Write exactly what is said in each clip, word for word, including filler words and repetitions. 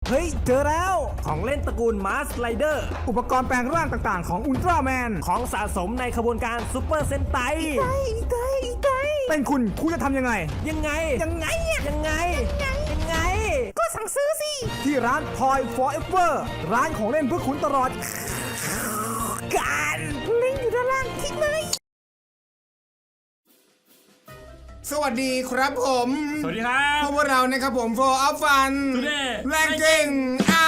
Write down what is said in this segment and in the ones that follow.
เฮ้ยเจอแล้วของเล่นตระกูลมาสไลเดอร์อุปกรณ์แปลงร่างต่างๆของอุลตร้าแมนของสะสมในขบวนการซูเปอร์เซนไตไกไกไกเป็นคุณคุณจะทำยังไงยังไงยังไงยังไงยังไงก็สั่งซื้อสิที่ร้าน Toy Forever ร้านของเล่นเพื่อคุณตลอดการลิงก์อยู่ด้านล่างคลิกเลยสวัสดีครับผมสวัสดีครับพวกเรานะครับผม โฟร์ อัพ ฟัน Today แรงเก่งอ่า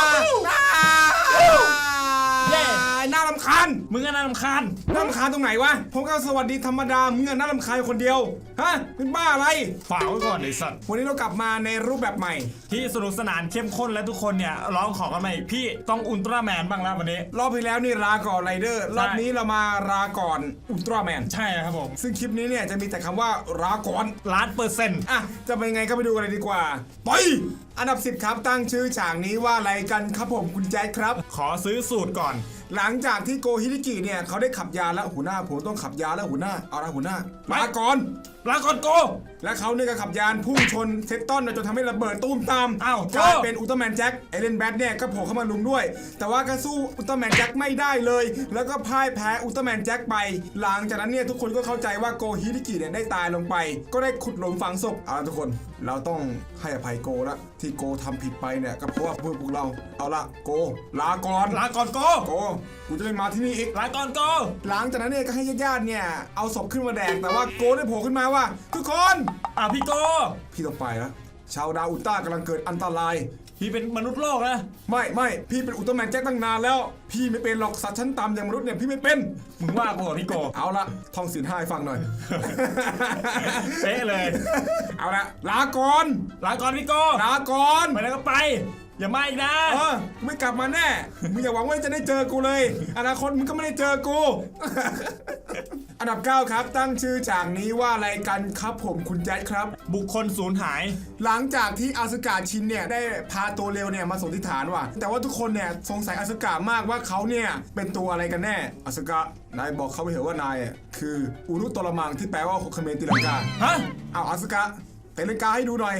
น่ารำคาญมึงก็น่ารำคาญน่ารำคาญตรงไหนวะผมก็สวัสดีธรรมดามึงน่ารำคาญคนเดียวฮะเป็นบ้าอะไรฝากไว้ก่อนไอ้สัตว์วันนี้เรากลับมาในรูปแบบใหม่ที่สนุกสนานเข้มข้นและทุกคนเนี่ยร้องขอกันมาอีกพี่ต้องอุลตร้าแมนบ้างแล้ววันนี้รอบที่แล้วนี่ราก่อนไรเดอร์รอบนี้เรามาราก่อนอุลตร้าแมนใช่ครับผมซึ่งคลิปนี้เนี่ยจะมีแต่คำว่าราก่อนล้านเปอร์เซ็นต์อ่ะจะเป็นไงก็ไปดูกันเลยดีกว่าไปอันดับสิบครับตั้งชื่อฉากนี้ว่าอะไรกันครับผมคุณแจ๊คครับขอซื้อสูตรก่อนหลังจากที่โกฮิริกิเนี่ยเขาได้ขับยาแล้วหัวหน้าผมต้องขับยาแล้วหัวหน้าเอาละหัวหน้าลาก่อนลาก่อนโกและเขาเนี่ยก็ขับยานพุ่งชนเซตตอนจนทำให้ระเบิดตุ้มตามอ้าวกลายเป็นอุลตร้าแมนแจ็คเอเลนแบทเนี่ยก็โผล่เข้ามาลุมด้วยแต่ว่าก็สู้อุลตร้าแมนแจ็คไม่ได้เลยแล้วก็พ่ายแพ้อุลตร้าแมนแจ็คไปหลังจากนั้นเนี่ยทุกคนก็เข้าใจว่าโกฮิริกิเนี่ยได้ตายลงไปก็ได้ขุดหลุมฝังศพเอาละทุกคนเราต้องให้อภัยโกละที่โกทำผิดไปเนี่ยก็เพราะว่าพวกเราเอาละโกลาก่อนลาก่อนโกโกกูจะไม่มาที่นี่อีกลาก่อนโกหลังจากนั้นเนี่ยก็ให้ญาติๆเนี่ยเอาศพขึ้นมาแดกแต่ว่าโกได้โผล่ขึ้นมาว่าทุกคนอ่ะพี่โกพี่ต้องไปแล้วชาวดาวอุลตร้ากำลังเกิดอันตรายพี่เป็นมนุษย์โลกนะไม่ไม่พี่เป็นอุลตร้าแมนแจ็คตั้งนานแล้วพี่ไม่เป็นหรอกสัตว์ชั้นต่ำอย่างมนุษย์เนี่ยพี่ไม่เป็นมึงว่ากูพี่โกเอาละท่องศีลห้าให้ฟังหน่อยเป๊ะเลยเอาละลาก่อนลาก่อนพี่โกลาก่อนไปแล้วก็ไปอย่ามาอีกนะเออไม่กลับมาแน่มึงอย่าหวังว่าจะได้เจอกูเลยอนาคตมึงก็ไม่ได้เจอกูอันดับเก้าครับตั้งชื่อฉากนี้ว่าอะไรกันครับผมคุณแจ๊ดครับบุคคลสูญหายหลังจากที่อาสึกะชินเนี่ยได้พาตัวเร็วเนี่ยมาส่งที่ฐานว่ะแต่ว่าทุกคนเนี่ยสงสัยอาสึกะมากว่าเขาเนี่ยเป็นตัวอะไรกันแน่อาสึกะนายบอกเขาไปเถอะว่านายคืออุรุตรมังที่แปลว่าโคคเมนติลังกาฮะเอาอาสึกะเตะเลนกาให้ดูหน่อย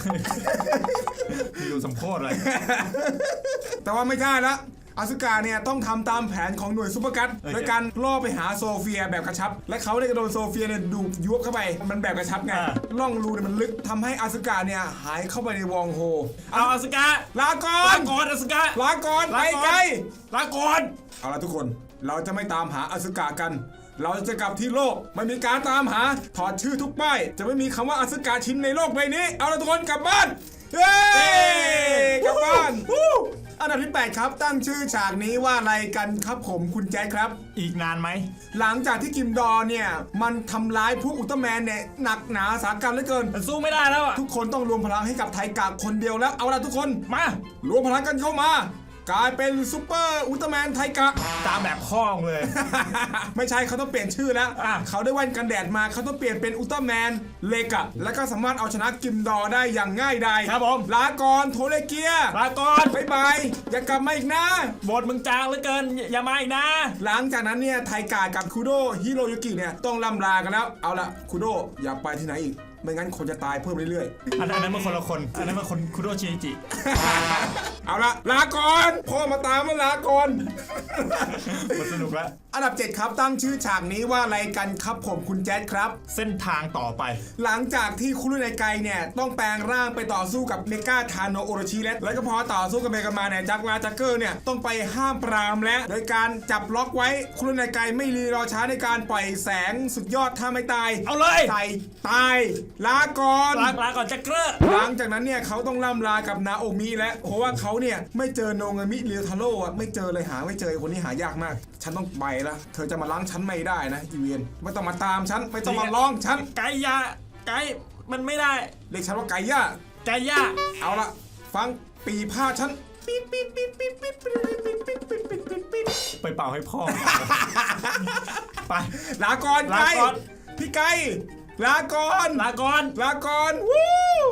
ดูสมโภชเลยแต่ว่าไม่ใช่ละอาสึกะเนี่ยต้องทำตามแผนของหน่วยซุปเปอร์กัตโดยการล่อไปหาโซเฟียแบบกระชับและเขาได้กระโดดโซเฟียเนี่ยดูดยุบเข้าไปมันแบบกระชับไงล่องรูเนี่ยมันลึกทำให้อาสึกะเนี่ยหายเข้าไปในวองโฮเอาอาสึกะลาก่อนลาก่อนอาสึกะลาก่อนไปไกลลาก่อนเอาละทุกคนเราจะไม่ตามหาอาสึกะกันเราจะกลับที่โลกไม่มีการตามหาถอดชื่อทุกป้ายจะไม่มีคำว่าอาสึกะชินในโลกใบนี้เอาละทุกคนกลับบ้านเย้กลับบ้านอันดับที่แปดครับตั้งชื่อฉากนี้ว่าอะไรกันครับผมคุณแจ๊คครับอีกนานไหมหลังจากที่กิมดอเนี่ยมันทำร้ายพวกอุลตร้าแมนเนี่ยหนักหนาสาหัสเหลือเกินมันสู้ไม่ได้แล้วทุกคนต้องรวมพลังให้กับไทกะคนเดียวแล้วเอาละทุกคนมารวมพลังกันเข้ามากลายเป็นซูเปอร์อุลตร้าแมนไทกะตามแบบข้องเลยไม่ใช่เขาต้องเปลี่ยนชื่อแล้วเขาได้แว่นกันแดดมาเขาต้องเปลี่ยนเป็นอุลตร้าแมนเลกะแล้วก็สามารถเอาชนะกิมดอได้อย่างง่ายดายครับผมลาก่อนโทเลเกียลาก่อนบ๊ายบายอย่ากลับมาอีกนะบทมึงจางเหลือเกินอย่ามาอีกนะหลังจากนั้นเนี่ยไทกะกับคุโดฮิโรยุกิเนี่ยต้องล่ำลากันแล้วเอาละคุโดอย่าไปที่ไหนอีกไม่งั้นคนจะตายเพิ่มเรื่อยๆอันนั้นมันคนละคนอันนั้นมันคนคุโดชิจิเอาละลาก่อนพ่อมาตามมาลาก่อนมันสนุกแล้วอันดับเจ็ดครับตั้งชื่อฉากนี้ว่าอะไรกันครับผมคุณแจ๊ดครับเส้นทางต่อไปหลังจากที่คุรุไนไกเนี่ยต้องแปลงร่างไปต่อสู้กับเมกาทาโนโอโรชิแล้วแล้วก็พอต่อสู้กับเมกามาเนี่ยจักรวาจักเกอร์เนี่ยต้องไปห้ามปรามและโดยการจับล็อกไว้คุรุไนไกไม่รีรอช้าในการปล่อยแสงสุดยอดถ้าไม่ตายเอาเลยใส่ตายลาก่อนลาลาก่อนจักรหลังจากนั้นเนี่ยเขาต้องล่ำลากับนาโอมิและเพราะว่าเขาเนี่ยไม่เจอโนงามิเรียวทาโร่อะไม่เจอเลยหาไม่เจอคนนี้หายากมากฉันต้องไปละเธอจะมาล้างฉันไม่ได้นะอีเวียนไม่ต้องมาตามฉันไม่ต้องมาล้องฉันไก่ยาไก่มันไม่ได้เรียกฉันว่าไก่ย่าไก่ย่าเอาละฟังปีผ้าฉันไปเป่าให้พ่อไปลาก่อนไก่พี่ไก่ลาก่อนลาก่อนลาก่อนวู้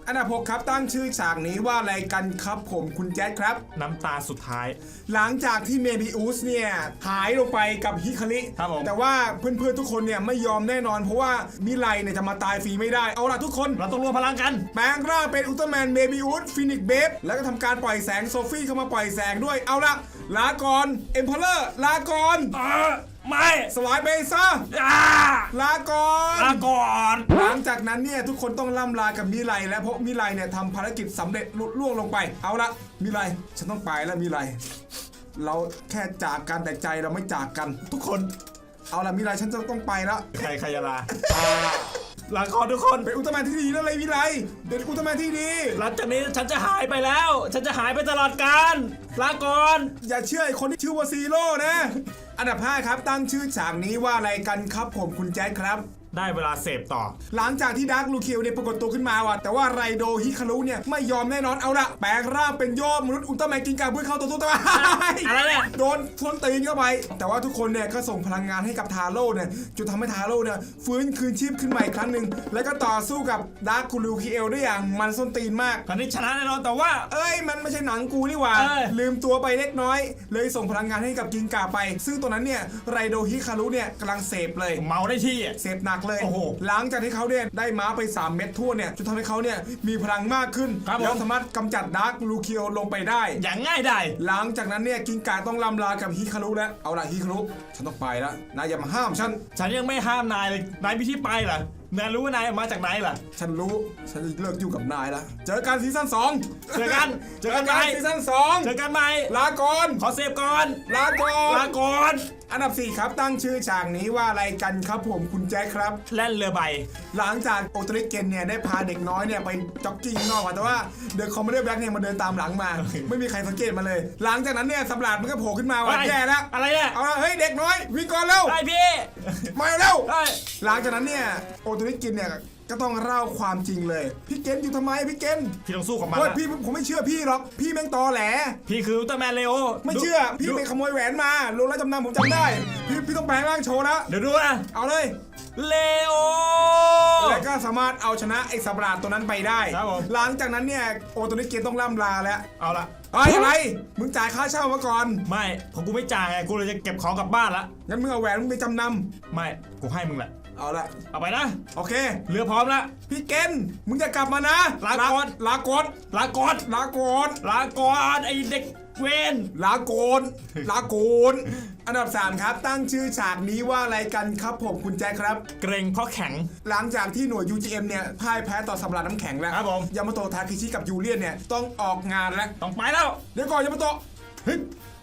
อันดับหกครับตั้งชื่อฉากนี้ว่าอะไรกันครับผมคุณแจ๊ดครับน้ำตาสุดท้ายหลังจากที่เมบิอุสเนี่ยหายลงไปกับฮิคาริครับผมแต่ว่าเพื่อนๆทุกคนเนี่ยไม่ยอมแน่นอนเพราะว่ามิไลเนี่ยจะมาตายฟรีไม่ได้เอาล่ะทุกคนเราต้องรวมพลังกันแปลงร่างเป็นอุลตร้าแมนเมบิอุสฟินิกเบฟแล้วก็ทำการปล่อยแสงโซฟี่เข้ามาปล่อยแสงด้วยเอาละลาก่อนเอ็มเพลเลอร์ลาก่อนเออไม่สลายไปซะอ่าลาก่อนลาก่อนหลังจากนั้นเนี่ยทุกคนต้องล่ำลากับมิไลแล้วเพราะมิไลเนี่ยทำภารกิจสำเร็จลุล่วงลงไปเอาละมิไลฉันต้องไปแล้วมิไลเราแค่จากกันแต่ใจเราไม่จากกันทุกคนเอาละมิไลฉันจะต้องไปแล้วใครใครจะลาลาก่อนทุกคนเป็นอุลตร้าแมนที่ดีนั่นเลยมิไลเป็นอุลตร้าแมนที่ดีหลังจากนี้ฉันจะหายไปแล้ว ฉันจะหายไปตลอดกาลลาก่อนอย่าเชื่อไอ้คนที่ชื่อว่าซีโร่นะ อันดับห้าครับตั้งชื่อฉากนี้ว่าอะไรกันครับผมคุณแจ๊ดครับได้เวลาเสพต่อหลังจากที่ดาร์คลูคิวเนี่ยปรากฏตัวขึ้นมาว่ะแต่ว่าไรโดฮิคารุเนี่ยไม่ยอมแน่นอนเอาละแปลงร่างเป็นยอดมนุษย์อุลตร้าแมนกินกาเพื่อเข้าตัวตัวตัวอะไรเนี่ยโดนทวนตีนเข้าไป แต่ว่าทุกคนเนี่ยก็ส่งพลังงานให้กับทาโร่เนี่ยจนทำให้ทาโร่เนี่ยฟื้นคืนชีพขึ้นมาอีกครั้งหนึ่งแล้วก็ต่อสู้กับดาร์คลูคิวได้อย่างมันส้นตีนมากคราวนี้ชนะแน่นอนแต่ว่าเอ้ยมันไม่ใช่หนังกูนี่หว่าเอ้ยลืมตัวไปเล็กน้อย เลยส่งพลังงานให้กับกินกาไป ซึ่งตัวนั้นเนี่ยไรโดฮิคารุเนี่ยกำลังเสพเลยเมาได้ที่อะเสพหนักเลยโอ้โหหลังจากที่เขาเนี่ยได้ม้าไปสามเม็ดทั่วเนี่ยจนทำให้เขาเนี่ยมีพลังมากขึ้นครับผมแล้วสามารถกำจัดดาร์คลูคิวลงไปได้อย่างง่ายได้หลังจากนั้นเนี่ยกินกาต้องลำลากับฮิคารุแล้วเอาล่ะฮิคารุฉันต้องไปแล้วนายอย่ามาห้ามฉันฉันยังไม่ห้ามนายเลย นายมีที่ไปเหรอนายรู้ว่านายมาจากไหนเหรอฉันรู้ฉันจะเลิกยุ่งกับนายแล้วเจอกันซีซั่นสองเจอกัน เจอกันไหมซีซั่นสองเจอกันไหมลาก่อนขอเสพก่อนลาก่อนลาก่อนอันดับสี่ครับตั้งชื่อฉากนี้ว่าอะไรกันครับผมคุณแจ็คครับแล่นเรือใบหลังจากโอตริเกนเนี่ยได้พาเด็กน้อยเนี่ยไปจ็อกกิ้งข้างนอกมาแต่ว่าเดอะคอมเมดี้แบล็กเนี่ยมาเดินตามหลังมา ไม่มีใครสังเกตมาเลย หลังจากนั้นเนี่ยสับหลาดมันก็โผล่ขึ้นมาว่าเฮ้ยแย่แล้วอะไรเนี่ยเอาละเฮ้ยเด็กน้อยวิ่งก่อนเร็วได้พี่มาเร็วได้หลังจากนั้นเนี่ยโอตริเกนเนี่ยก็ต้องเล่าความจริงเลยพี่เกนอยู่ทำไมพี่เกนพี่ต้องสู้กับมันโอ้ยนะพี่ผมไม่เชื่อพี่หรอกพี่แม่งตอแหลพี่คืออุลตร้าแมนเลโอไม่เชื่อดูพี่ดูไปขโมยแหวนมาลงแล้วจำนำผมจำได้พี่พี่ต้องแปลงร่างโชว์นะเดี๋ยวดูนะเอาเลยเลโอแล้วก็สามารถเอาชนะไอ้สับหลาดตัวนั้นไปได้ครับผมหลังจากนั้นเนี่ยโอตัวนี้เกนต้องล่ำลาแล้วเอาละเฮ้ยอะไร มึงจ่ายค่าเช่ามาก่อนไม่ผมกูไม่จ่ายไงกูเลยจะเก็บของกลับบ้านละงั้นมึงเอาแหวนมึงไปจำนไม่กูให้มึงแหละำเอาละเอาไปนะโอเคเรือพร้อมแล้วพี่เกนมึงจะกลับมานะลาก่อนลาก่อนลาก่อนลาก่อนลาก่อนไอเด็กเวนลาโกนลาโกนอันดับสามครับ ตั้งชื่อฉากนี้ว่าอะไรกันครับผมคุณแจ็คครับเกรงเพราะแข็งหลังจากที่หน่วย ยู จี เอ็ม เนี่ยพ่ายแพ้ต่อสับหลาดน้ำแข็งแล้วครับผมยามาโตะทาเคชิกับยูเลียนเนี่ยต้องออกงานแล้วต้องไปแล้วเดี๋ยวก่อนยามาโตะเฮ้ย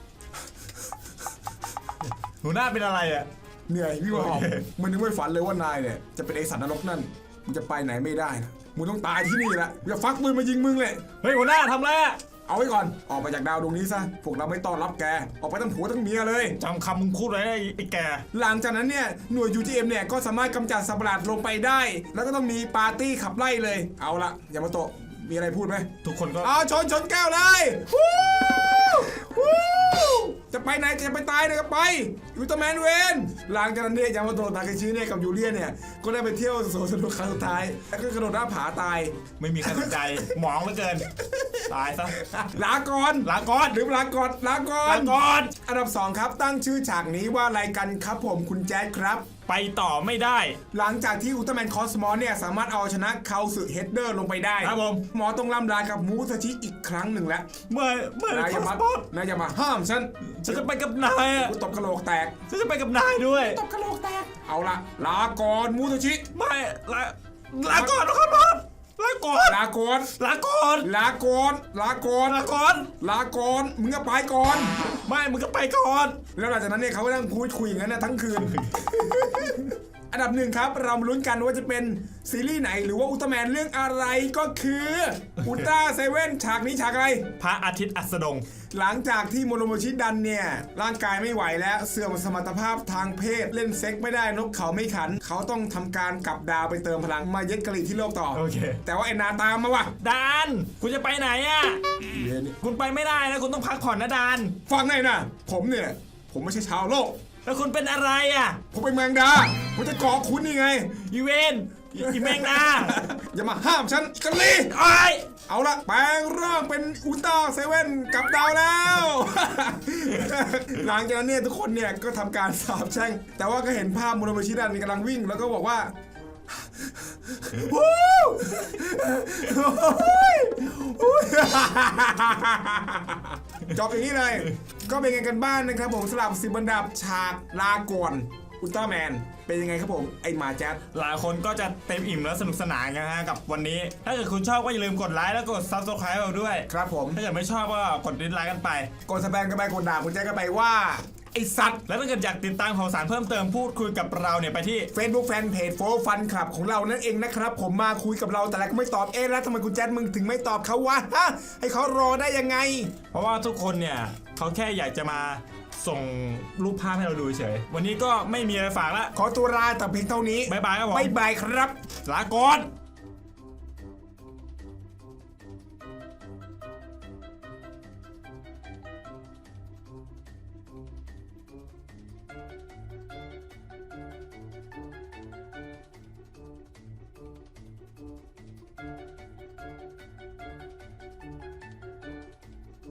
หัวหน้าเป็นอะไรอ่ะเหนื่อยพี่ว่าหอมโอเคมันนึกไม่ฝันเลยว่านายเนี่ยจะเป็นไอสัตว์นรกนั่นมึงจะไปไหนไม่ได้นะมึงต้องตายที่นี่แหละอย่าฟักปืนมายิงมึงเลยเฮ้ยหัวหน้าทำอะไรอะเอาไว้ก่อนออกไปจากดาวดวงนี้ซะพวกเราไม่ต้อนรับแกออกไปทั้งผัวทั้งเมียเลยจำคำมึงพูดไว้นะไอ้ไอ้แกหลังจากนั้นเนี่ยหน่วย ยู จี เอ็ม เนี่ยก็สามารถกำจัดสัตว์ประหลาดลงไปได้ แล้วก็ต้องมีปาร์ตี้ขับไล่เลยเอาละยามาโตะมีอะไรพูดไหมทุกคนก็เอาชนชนแก้วเลยวู้วู้จะไปไหนจะไปตายเนี่ยก็ไปอุลตร้าแมนเวนหลังจากนั้นเนี่ยยามาโตะทาเคชิเนี่ยกับยูเลียนเนี่ยก็ได้ไปเที่ยวสวนสนุกครั้งสุดท้ายแล้วก็กระโดดหน้าผาตายไม่มีใครสนใจ หมองเหลือเกิน ตายซะลาก่อนลาก่อนหรือลาก่อนลาก่อนลาก่อนอันดับสองครับตั้งชื่อฉากนี้ว่าอะไรกันครับผมคุณแจ๊ดครับไปต่อไม่ได้หลังจากที่อุลตร้าแมนคอสมอสเนี่ยสามารถเอาชนะคาสึเฮดเดอร์ลงไปได้ครับผมหมอต้องล่ำลากับมูซาชิอีกครั้งหนึ่งแล้วเมื่อเมื่อนายคอย่าอมาสปอร์ตนายอย่ามาห้ามฉันฉันจะไปกับนายอ่ะกูตบกระโหลกแตกฉันจะไปกับนายด้วยตบกระโหลกแตกเอาละลาก่อนมูซาชิไม่ลาลาก่อนนะครับบอสลาก่อนลาก่อนลาก่อนลาก่อนลาก่อนลาก่อนลาก่อนมึงก็ไปก่อนไม่มึงก็ไปก่อนแล้วหลังจากนั้นเนี่ยเขาก็นั่งพูดคุยอย่างนั้นนะทั้งคืน อันดับหนึ่งครับ เรามาลุ้นกันว่าจะเป็นซีรีส์ไหนหรือว่าอุลตร้าแมนเรื่องอะไรก็คืออุลตร้าเซเว่นฉากนี้ฉากอะไรพระอาทิตย์อัสดงหลังจากที่โมโรโมชิดันเนี่ยร่างกายไม่ไหวแล้วเสื่อมสมรรถภาพทางเพศเล่นเซ็กไม่ได้นกเขาไม่ขัน เขาต้องทำการกลับดาวไปเติมพลังมาเย็ดกะหรี่ที่โลกต่อโอเคแต่ว่าไอ้นาตามมาว่ะดานคุณจะไปไหนอ่ะเย็นนี่คุณไปไม่ได้นะคุณต้องพักผ่อนนะดานฟังไงนะผมเนี่ยผมไม่ใช่ชาวโลกแล้วคุณเป็นอะไรอ่ะผมเป็นแมงดาผมจะเกาะคุณนี่ไงอีเวนอีแม่งนะอย่ามาห้ามฉันอิกาลีไอ้ยเอาละแปลงร่างเป็นอุลตร้าเซเว่นกลับดาวแล้ว หลังจากนั้นเนี่ยทุกคนเนี่ยก็ทำการสาบแช่งแต่ว่าก็เห็นภาพมูโรเมชิดันกำลังวิ่งแล้วก็บอกว่า วู้จบอย่างนี้เลย ก็เป็นไงกันบ้านนะครับผมสำหรับสิบบรรดาฉากลาก่อนอุลตร้าแมนเป็นยังไงครับผมไอ้หมาแจ๊ดหลายคนก็จะเต็มอิ่มและสนุกสนานกันนะฮะกับวันนี้ ถ้าเกิดคุณชอบก็อย่าลืมกดไลค์แล้วกด ซับสไครบ์ เราด้วยครับผมถ้าเกิดไม่ชอบก็กดดิสไลค์กันไปกดสแปมกันไปกดด่าคุณแจ๊ดกันไปว่าไอ้สัตว์แล้วถ้าเกิดอยากติดตามข่าวสารเพิ่มเติมพูดคุยกับเราเนี่ยไปที่ Facebook Fanpage โฟร์ฟันคลับของเรานั่นเองนะครับผมมาคุยกับเราแต่ละก็ไม่ตอบเอ๊ะแล้วทำไมคุณแจ๊ดมึงถึงไม่ตอบเขาวะฮะให้เขารอได้ยังไงเพราะว่าทุกคนเนี่ยเขาแค่อยากจะมาส่งรูปภาพให้เราดูเฉยวันนี้ก็ไม่มีอะไรฝากละขอตัวลาแต่เพียงเท่านี้บ๊ายบายครับผมบ๊ายบายครับลาก่อน